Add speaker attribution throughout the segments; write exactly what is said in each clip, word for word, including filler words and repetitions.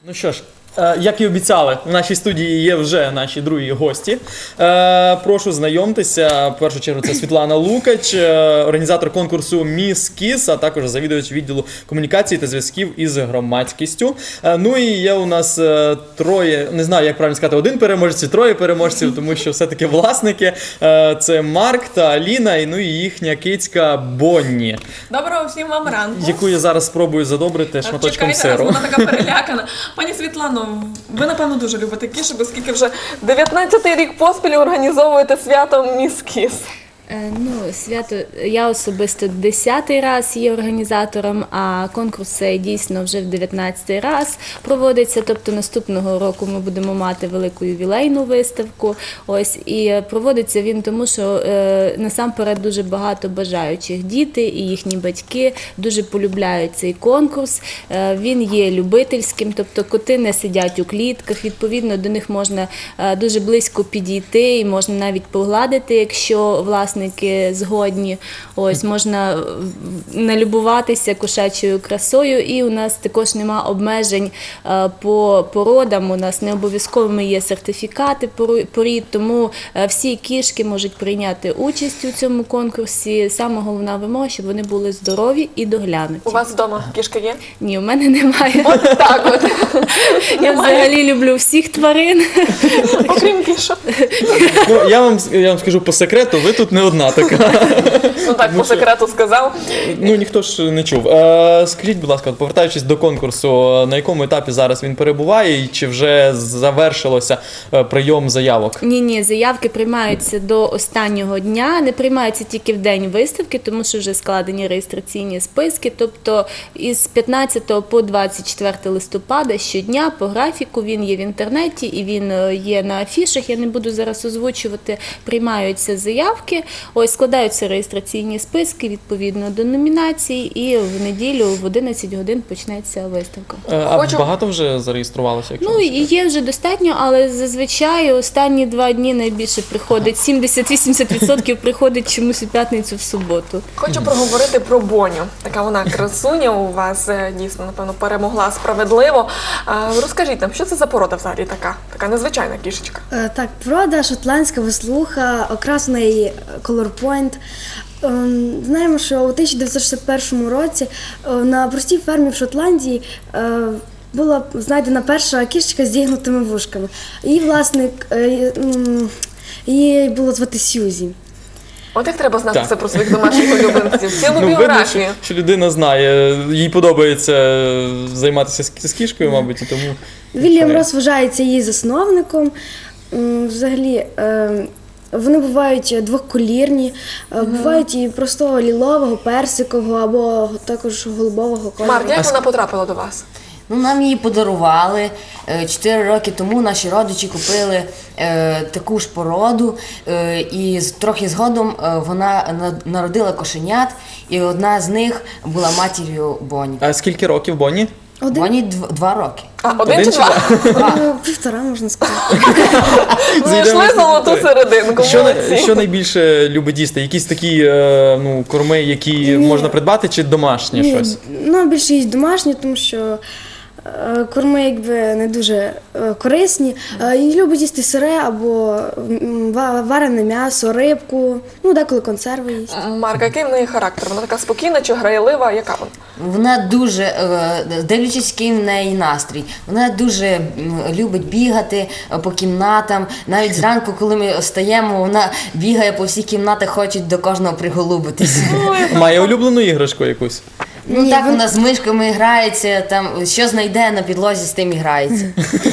Speaker 1: Ну що ж, е, як і обіцяли, в нашій студії є вже наші другі гості. Е, прошу знайомтеся. В першу чергу це Світлана Лукач, е, організатор конкурсу «Міс Кіс», а також завідувач відділу комунікації та зв'язків із громадськістю. Е, ну і є у нас е, троє, не знаю, як правильно сказати, один переможець, троє переможців, тому що все-таки власники. Е, це Марк та Аліна, і ну і їхня кицька Бонні.
Speaker 2: Доброго всім вам ранку.
Speaker 1: Яку я зараз спробую задобрити шматочком
Speaker 2: Чекайте,
Speaker 1: сиру.
Speaker 2: вона така перелякана. Пані Світлано, ви, напевно, дуже любите кішок, оскільки вже дев'ятнадцятий рік поспіль організовуєте свято «Міс Кіс».
Speaker 3: Ну, свято, я особисто десятий раз є організатором, а конкурс цей дійсно вже в дев'ятнадцятий раз проводиться. Тобто наступного року ми будемо мати велику ювілейну виставку. Ось, і проводиться він тому, що е, насамперед дуже багато бажаючих. Діти і їхні батьки дуже полюбляють цей конкурс. Е, він є любительським, тобто коти не сидять у клітках, відповідно до них можна е, дуже близько підійти і можна навіть погладити, якщо власне згодні. Ось, можна налюбуватися кошачою красою, і у нас також нема обмежень е, по породам, у нас не обов'язковими є сертифікати порід, тому е, всі кішки можуть прийняти участь у цьому конкурсі. Саме головна вимога, щоб вони були здорові і доглянуті.
Speaker 2: У вас вдома кішка є?
Speaker 3: Ні, у мене немає.
Speaker 2: От так от.
Speaker 3: Я взагалі люблю всіх тварин.
Speaker 2: Окрім кішок.
Speaker 1: Ну, я вам, я вам скажу по секрету, ви тут не одна така.
Speaker 2: Ну так, по секрету сказав.
Speaker 1: Ну, ніхто ж не чув. Е, скажіть, будь ласка, повертаючись до конкурсу, на якому етапі зараз він перебуває і чи вже завершилося прийом заявок?
Speaker 3: Ні-ні, заявки приймаються до останнього дня, не приймаються тільки в день виставки, тому що вже складені реєстраційні списки, тобто із п'ятнадцятого по двадцять четверте листопада щодня по графіку, він є в інтернеті і він є на афішах, я не буду зараз озвучувати, приймаються заявки, ось складаються реєстраційні списки відповідно до номінацій, і в неділю в одинадцять годин почнеться виставка.
Speaker 1: А
Speaker 2: Хочу...
Speaker 1: багато вже зареєструвалося?
Speaker 3: Ну, і є вже достатньо, але зазвичай останні два дні найбільше приходить, сімдесят-вісімдесят відсотків приходить чомусь у п'ятницю в суботу.
Speaker 2: Хочу проговорити про Боню. Така вона красуня у вас, дійсно, напевно, перемогла справедливо. Розкажіть нам, що це за порода взагалі така? Така незвичайна кішечка.
Speaker 4: Так, порода шотландська веслуха, окрасний колорпойнт. Знаємо, що у тисяча дев'ятсот шістдесят першому році на простій фермі в Шотландії була знайдена перша кішечка з зігнутими вушками. Її власник, її було звати Сьюзі.
Speaker 2: От як треба знати
Speaker 1: так.
Speaker 2: це про своїх домашніх улюбленців, цілу
Speaker 1: Ну,
Speaker 2: біографію.
Speaker 1: видно, що, що людина знає, їй подобається займатися з кішкою, мабуть, і тому...
Speaker 4: Вільям Росс вважається її засновником. Взагалі, вони бувають двоколірні, mm-hmm. бувають і простого лілового, персикового або також голубового кольору.
Speaker 2: Марк, як вона потрапила до вас?
Speaker 5: Ну, нам її подарували. Чотири роки тому наші родичі купили е, таку ж породу, е, і трохи згодом е, вона народила кошенят, і одна з них була матір'ю Бонні.
Speaker 1: А скільки років Бонні?
Speaker 4: Один.
Speaker 5: Бонні дв, два роки.
Speaker 2: А, один, один чи два?
Speaker 4: два? Півтора, можна сказати.
Speaker 2: Знайшли золоту серединку.
Speaker 1: Що, що найбільше любить їсти? Якісь такі е, ну, корми, які Ні. можна придбати, чи домашнє
Speaker 4: Ні.
Speaker 1: щось?
Speaker 4: Ну, більше їсть домашні, тому що корми якби не дуже корисні. І любить їсти сире або варене м'ясо, рибку, ну деколи консерви їсть.
Speaker 2: Марка, який в неї характер? Вона така спокійна чи грайлива? Яка вона?
Speaker 5: Вона дуже, дивлячись, який в неї настрій, вона дуже любить бігати по кімнатам. Навіть зранку, коли ми встаємо, вона бігає по всіх кімнатах, хоче до кожного приголубитися.
Speaker 1: Має улюблену іграшку якусь?
Speaker 5: Ну Ні, так, вона з мишками грається, там, що знайде на підлозі, з тим і грається.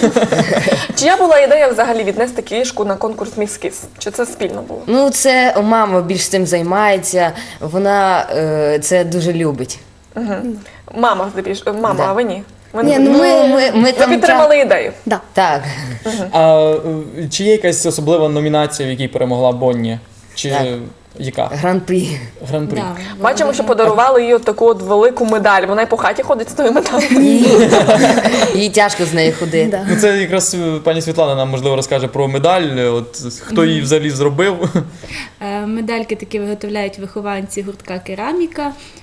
Speaker 2: Чия була ідея взагалі віднести кішку на конкурс «Міс Кіс»? Чи це спільно було?
Speaker 5: Ну, це мама більш цим займається, вона е, це дуже любить.
Speaker 2: Угу. Мама, мама, да. А ви ні?
Speaker 4: Ви, ні, ну, ми, ми,
Speaker 2: ми ви підтримали та... ідею?
Speaker 4: Да.
Speaker 5: Так.
Speaker 1: Угу. А чи є якась особлива номінація, в якій перемогла Бонні? Чи...
Speaker 5: Так.
Speaker 1: Яка?
Speaker 5: Гран-прі.
Speaker 1: Гран-прі.
Speaker 3: Да,
Speaker 2: бачимо, що подарували їй от таку от велику медаль. Вона й по хаті ходить з тою медаллю.
Speaker 5: Їй тяжко з нею ходити.
Speaker 4: Да.
Speaker 1: Ну, це якраз пані Світлана нам, можливо, розкаже про медаль. От, хто її взагалі зробив?
Speaker 3: Медальки такі виготовляють вихованці гуртка «Кераміка».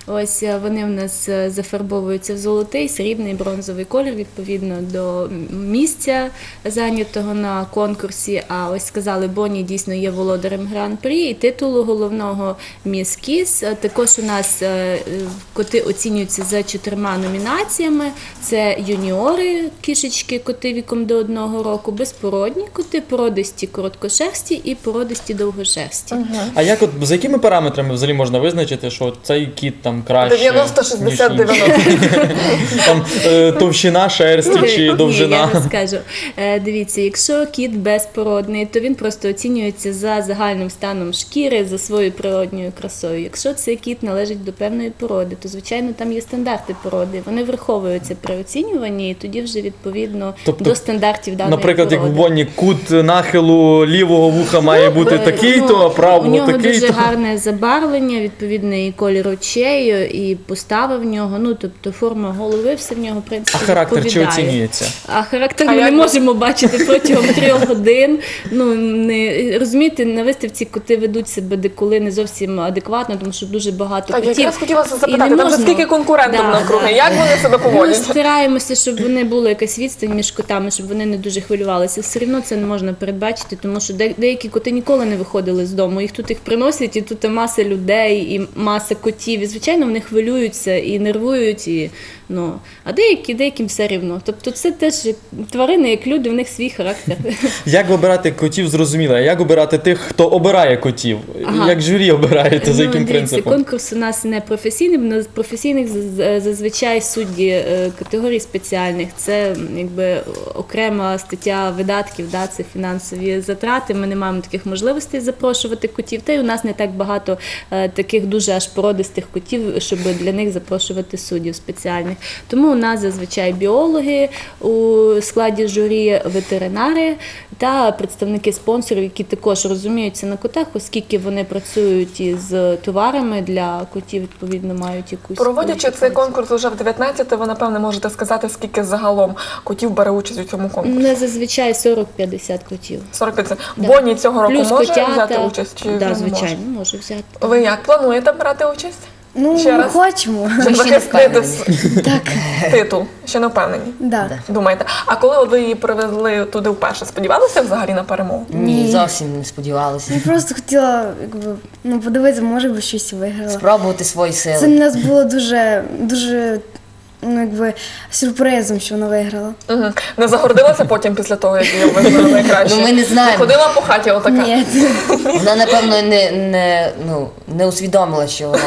Speaker 3: Ось е, вони в нас е, зафарбовуються в золотий, срібний, бронзовий колір відповідно до місця зайнятого на конкурсі. А ось сказали, Бонні дійсно є володарем гран-прі і титулу головного Міс Кіс. Е, Також у нас е, е, коти оцінюються за чотирма номінаціями. Це юніори, кішечки, коти віком до одного року, безпородні коти, породисті короткошерсті і породисті довгошерсті.
Speaker 1: А як от за якими параметрами взагалі можна визначити, що цей кіт там краще?
Speaker 2: дев'яносто шістдесят
Speaker 1: ніж інший?
Speaker 2: дев'яносто.
Speaker 1: Там е, товщина шерсті чи
Speaker 3: Ні,
Speaker 1: довжина?
Speaker 3: я розкажу. Е, Дивіться, якщо кіт безпородний, то він просто оцінюється за загальним станом шкіри, за своєю природньою красою. Якщо цей кіт належить до певної породи, то звичайно там є стандарти породи. Вони враховуються при оцінюванні, і тоді вже відповідно
Speaker 1: Тобто,
Speaker 3: до стандартів даної
Speaker 1: Наприклад, як в
Speaker 3: породи.
Speaker 1: Бонні кут нахилу лівого вуха має бути
Speaker 3: Е,
Speaker 1: такий-то, а
Speaker 3: ну, у
Speaker 1: правого
Speaker 3: нього дуже
Speaker 1: такий-то.
Speaker 3: гарне забарвлення, відповідний колір очей, і постава в нього, ну тобто форма голови, все в нього в принципі
Speaker 1: А характер чи
Speaker 3: відповідає.
Speaker 1: оцінюється?
Speaker 3: А характер
Speaker 2: А
Speaker 3: ми не
Speaker 2: як ви-
Speaker 3: можемо бачити протягом трьох годин. Ну не розумієте, на виставці коти ведуть себе деколи не зовсім адекватно, тому що дуже багато
Speaker 2: Так,
Speaker 3: котів.
Speaker 2: якраз хотіла це
Speaker 3: І
Speaker 2: запитати,
Speaker 3: не
Speaker 2: там вже
Speaker 3: можна-
Speaker 2: скільки конкурентів
Speaker 3: Да,
Speaker 2: навкруги,
Speaker 3: да.
Speaker 2: як вони себе
Speaker 3: Ми
Speaker 2: поводять?
Speaker 3: стараємося, щоб вони була якась відстань між котами, щоб вони не дуже хвилювалися. Все одно це не можна передбачити, тому що де- деякі коти ніколи не виходили з дому. Їх тут їх приносять, і тут маса людей, і маса котів. І звичайно, вони хвилюються і нервують. І, ну, а деякі, деяким все рівно. Тобто це теж тварини, як люди, в них свій характер.
Speaker 1: Як вибирати котів, зрозуміло. А як обирати тих, хто обирає котів?
Speaker 3: Ага.
Speaker 1: Як журі обираєте, за
Speaker 3: Ну,
Speaker 1: яким
Speaker 3: дивіться,
Speaker 1: принципом?
Speaker 3: конкурс у нас не професійний, бо на професійних заз- зазвичай судді е, категорій спеціальних. Це м, якби окрема стаття видатків, да, це фінансові затрати. Ми не маємо таких можливостей запрошувати котів. Та й у нас не так багато е, таких дуже аж породистих котів, щоб для них запрошувати суддів спеціальних. Тому у нас зазвичай біологи у складі журі, ветеринари та представники спонсорів, які також розуміються на котах, оскільки вони працюють із товарами для котів, відповідно, мають якусь
Speaker 2: Проводячи цей
Speaker 3: кваліфікацію.
Speaker 2: конкурс уже в дев'ятнадцяте, ви, напевне, можете сказати, скільки загалом котів бере участь у цьому конкурсі?
Speaker 3: Не зазвичай сорок-п'ятдесят котів.
Speaker 2: сорок п'ять.
Speaker 3: Да.
Speaker 2: Бонні цього року
Speaker 3: Плюс
Speaker 2: може
Speaker 3: котята.
Speaker 2: взяти участь? Чи
Speaker 3: да,
Speaker 2: не
Speaker 3: звичайно, може взяти.
Speaker 2: може? Ви як плануєте брати участь?
Speaker 4: Ну,
Speaker 2: Ще
Speaker 4: ми
Speaker 2: раз?
Speaker 4: хочемо.
Speaker 2: Щоб
Speaker 5: ще не
Speaker 2: захистити
Speaker 5: впевнені.
Speaker 4: Так,
Speaker 2: титул? Ще не впевнені?
Speaker 4: да.
Speaker 2: Думаєте? А коли от ви її привезли туди вперше, сподівалися взагалі на перемогу?
Speaker 5: Ні, зовсім не сподівалася.
Speaker 4: Я просто хотіла, якби, ну, подивитися, може би щось виграла.
Speaker 5: Спробувати свої
Speaker 4: Це
Speaker 5: сили.
Speaker 4: для нас було дуже, дуже, ну, якби, сюрпризом, що вона виграла.
Speaker 2: Угу. Не загордилася потім після того, як її визнали найкраще?
Speaker 5: Ну, ми не знаємо.
Speaker 2: Ходила по хаті отака?
Speaker 4: Ні.
Speaker 5: Вона, напевно, не, не, ну, не усвідомила, що вона.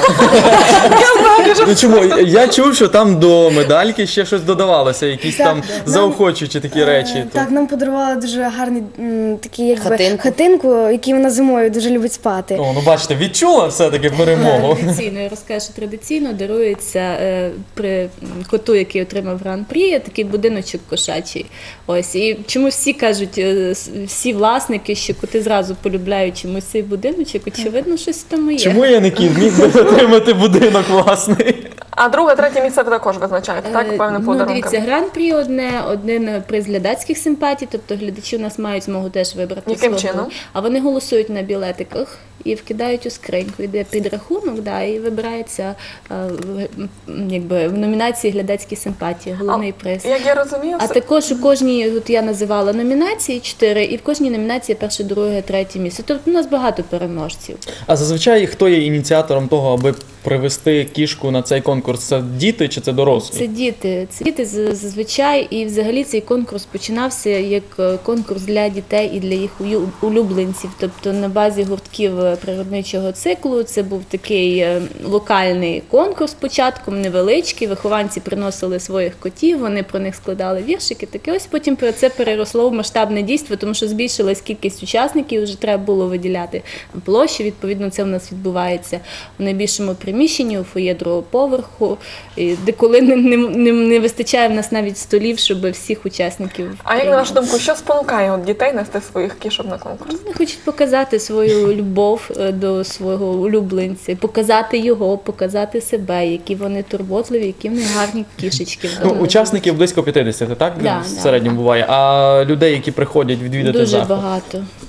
Speaker 1: Ну чому? Я чув, що там до медальки ще щось додавалося, якісь
Speaker 4: Так,
Speaker 1: там
Speaker 4: нам-
Speaker 1: заохочуючі такі речі.
Speaker 4: Е,
Speaker 1: То-
Speaker 4: Так, нам подарували дуже гарний м, такий, якби,
Speaker 5: Хатинку.
Speaker 4: хатинку, який вона зимою дуже любить спати.
Speaker 1: О, ну бачите, відчула все-таки перемогу.
Speaker 3: Традиційно, я розкажу, що традиційно дарується е, при м, коту, який отримав гран-прі, такий будиночок кошачий. Ось. І чому всі кажуть, е, с- всі власники, що коти зразу полюбляють чомусь цей будиночок, очевидно, щось там є.
Speaker 1: Чому я не кіт? Міг би отримати будинок власний.
Speaker 2: А друге, третє місце ви також визначаєте, так?
Speaker 3: Е,
Speaker 2: Певним
Speaker 3: Ну,
Speaker 2: подарунком.
Speaker 3: дивіться, гран-прі одне, один приз глядацьких симпатій, тобто глядачі у нас мають змогу теж вибрати
Speaker 2: Яким
Speaker 3: свого.
Speaker 2: чином?
Speaker 3: А вони голосують на білетиках і вкидають у скриньку. Йде підрахунок, да, і вибирається е, в- м, якби, в номінації глядацькі симпатії, головний приз.
Speaker 2: Як я розумію,
Speaker 3: А
Speaker 2: все-
Speaker 3: також у кожній, от я називала номінації чотири, і в кожній номінації перше, друге, третє місце. Тобто у нас багато переможців.
Speaker 1: А зазвичай хто є ініціатором того, аби привести кішку на цей конкурс? Це діти чи це дорослі?
Speaker 3: Це діти, це діти з- зазвичай, і взагалі цей конкурс починався як е, конкурс для дітей і для їх ую- улюбленців. Тобто на базі гуртків е, природничого циклу це був такий е, локальний конкурс початком, невеличкий. Вихованці приносили своїх котів, вони про них складали віршики. Таке ось потім про це переросло в масштабне дійство, тому що збільшилась кількість учасників, вже треба було виділяти площі. Відповідно, це в нас відбувається в найбільшому приміщенні у фоє другого поверху, і де коли не, не, не, не вистачає в нас навіть столів, щоб всіх учасників.
Speaker 2: А як на
Speaker 3: прийняти.
Speaker 2: вашу думку, що спонукає от дітей нести своїх кішок на конкурс?
Speaker 3: Вони хочуть показати свою любов е, до свого улюбленця, показати його, показати себе, які вони турботливі, які вони гарні кішечки.
Speaker 1: Ну,
Speaker 3: вдома.
Speaker 1: учасників близько п'ятдесят, так?
Speaker 3: Да,
Speaker 1: в
Speaker 3: да.
Speaker 1: середньому буває. А людей, які приходять відвідати
Speaker 3: Дуже
Speaker 1: заход?
Speaker 3: багато.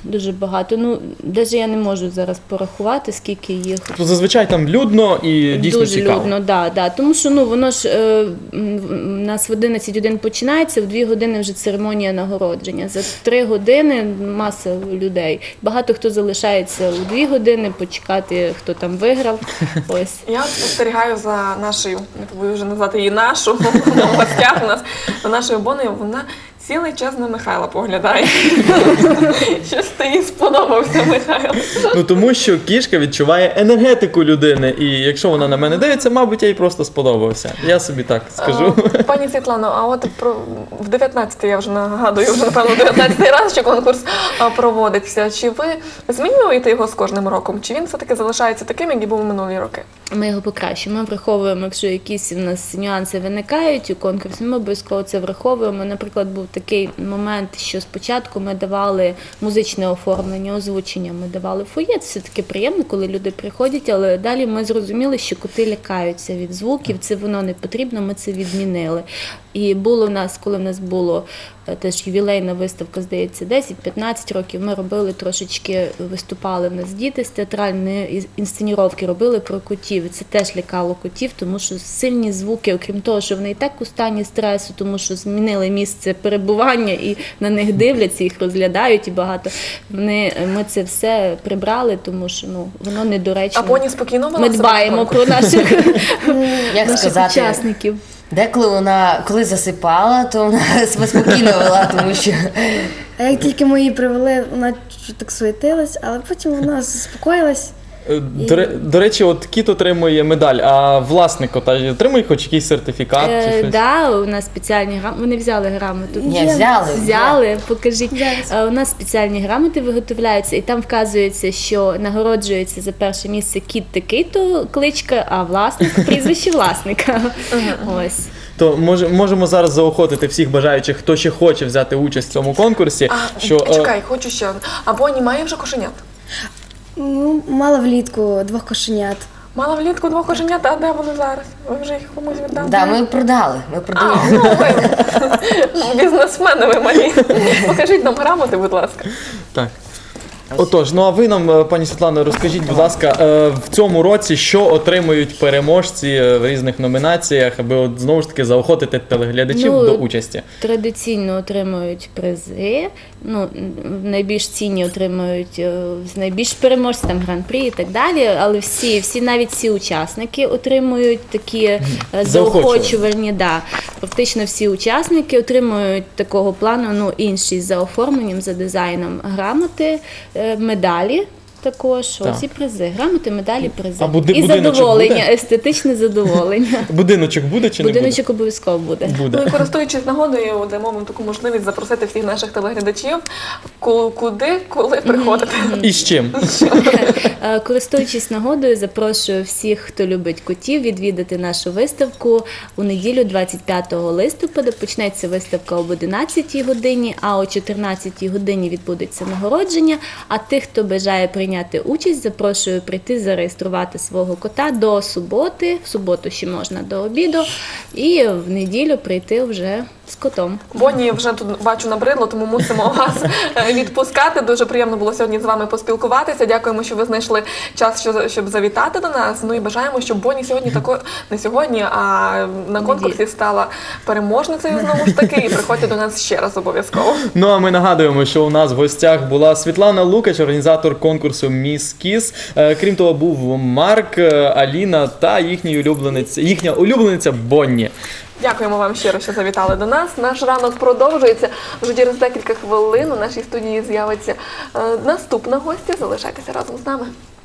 Speaker 3: дуже багато. Ну, навіть я не можу зараз порахувати, скільки їх.
Speaker 1: Тобто зазвичай там людно і дійсно
Speaker 3: Дуже
Speaker 1: цікаво.
Speaker 3: людно, да, да. Тому що ну воно ж е, м, у нас в одинадцять годин починається, в дві години вже церемонія нагородження. За три години маса людей. Багато хто залишається у дві години почекати, хто там виграв. Ось.
Speaker 2: Я от спостерігаю за нашою, не побоюсь вже назвати її нашу, в гостях у нас, за нашою Бонею, вона цілий час на Михайла поглядає. Щось ти їй сподобався, Михайло.
Speaker 1: Ну тому що кішка відчуває енергетику людини, і якщо вона на мене дивиться, мабуть, я їй просто сподобався. Я собі так скажу.
Speaker 2: А, Пані Світлано, а от про в дев'ятнадцятий, я вже нагадую, вже напевно дев'ятнадцятий раз, що конкурс а, проводиться. Чи ви змінюєте його з кожним роком? Чи він все-таки залишається таким, як і був минулі роки?
Speaker 3: Ми його покращуємо. Ми враховуємо, якщо якісь у нас нюанси виникають у конкурсі, ми обов'язково це враховуємо. Наприклад, був такий момент, що спочатку ми давали музичне оформлення, озвучення, ми давали фоє. Це все-таки приємно, коли люди приходять, але далі ми зрозуміли, що коти лякаються від звуків, це воно не потрібно, ми це відмінили. І було в нас, коли в нас було теж ювілейна виставка, здається, десять-п'ятнадцять років, ми робили трошечки, виступали в нас діти з театральної інсценіровки, робили про котів. І це теж лякало котів, тому що сильні звуки, окрім того, що вони і так у стані стресу, тому що змінили місце перебування і на них дивляться, їх розглядають і багато. Вони, ми це все прибрали, тому що ну, воно недоречно.
Speaker 2: А Боні спокійно вела
Speaker 3: Ми
Speaker 2: себе
Speaker 3: дбаємо
Speaker 2: в конкурсі?
Speaker 3: про наших,
Speaker 5: Як
Speaker 3: наших
Speaker 5: сказати,
Speaker 3: учасників.
Speaker 5: деколи вона, коли засипала, то вона себе спокійно вела, тому що
Speaker 4: А як тільки ми її привели, вона чуть так суетилась, але потім вона заспокоїлась.
Speaker 1: Е, До, ре- до речі, от кіт отримує медаль, а власник кота отримує хоч якийсь сертифікат чи
Speaker 3: Е,
Speaker 1: щось?
Speaker 3: да, у нас спеціальні грамоти. Вони взяли грамоту.
Speaker 5: Ні, взяли.
Speaker 3: Взяли, покажіть.
Speaker 4: Зараз.
Speaker 3: Е, У нас спеціальні грамоти виготовляються, і там вказується, що нагороджується за перше місце кіт такий-то кличка, а власник прізвище власника. Ось.
Speaker 1: То може, можемо зараз заохотити всіх бажаючих, хто ще хоче взяти участь в цьому конкурсі.
Speaker 2: А,
Speaker 1: що, е,
Speaker 2: чекай, хочу ще. одне. А Боні має вже кошенят?
Speaker 4: Ну, мала влітку двох кошенят.
Speaker 2: Мала влітку двох кошенят, а де вони зараз? Ви вже їх комусь віддали?
Speaker 5: да, ми продали. Ми
Speaker 2: А,
Speaker 5: продали.
Speaker 2: ну ви бізнесмени ви малі. Покажіть нам грамоти, будь ласка.
Speaker 1: Так. Отож, ну а ви нам, е, пані Світлано, розкажіть, будь ласка, е, в цьому році що отримують переможці е, в різних номінаціях, аби от знову ж таки заохотити телеглядачів
Speaker 3: Ну,
Speaker 1: до участі?
Speaker 3: Традиційно отримують призи. Ну, м, найбільш цінні отримують е, з найбільш переможці, там гран-прі і так далі. Але всі, всі навіть всі учасники отримують такі е, заохочувальні. Да. Практично всі учасники отримують такого плану, ну інші за оформленням, за дизайном грамоти, е, медалі. Також
Speaker 1: Так.
Speaker 3: ось і призи, грамоти, медалі, призи.
Speaker 1: А буди-
Speaker 3: і
Speaker 1: будиночок
Speaker 3: задоволення,
Speaker 1: буде?
Speaker 3: естетичне задоволення.
Speaker 1: Будиночок буде чи не
Speaker 3: Будиночок обов'язково буде.
Speaker 1: буде?
Speaker 2: Ну
Speaker 1: Буде.
Speaker 2: і користуючись нагодою, дамо вам таку можливість запросити всіх наших телеглядачів, ку- куди, коли приходити.
Speaker 1: І з чим?
Speaker 3: Е, Користуючись нагодою, запрошую всіх, хто любить котів, відвідати нашу виставку у неділю, двадцять п'ятого листопада. Почнеться виставка об одинадцятій годині, а о чотирнадцятій годині відбудеться нагородження. А тих, хто бажає прийняти участь, запрошую прийти зареєструвати свого кота до суботи. В суботу ще можна до обіду, і в неділю прийти вже з котом.
Speaker 2: Боні вже тут бачу набридло, тому мусимо вас е, відпускати. Дуже приємно було сьогодні з вами поспілкуватися. Дякуємо, що ви знайшли час, що- щоб завітати до нас. Ну і бажаємо, щоб Боні сьогодні тако не сьогодні, а на конкурсі стала переможницею знову ж таки. І приходьте до нас ще раз обов'язково.
Speaker 1: Ну а ми нагадуємо, що у нас в гостях була Світлана Лукач, організатор конкурсу Міс Кіс. Е, Крім того, був Марк, е, Аліна та їхній улюбленець, їхня улюблениця Бонні.
Speaker 2: Дякуємо вам щиро, що завітали до нас. Наш ранок продовжується. Вже через декілька хвилин у нашій студії з'явиться е, наступна гостя. Залишайтеся разом з нами.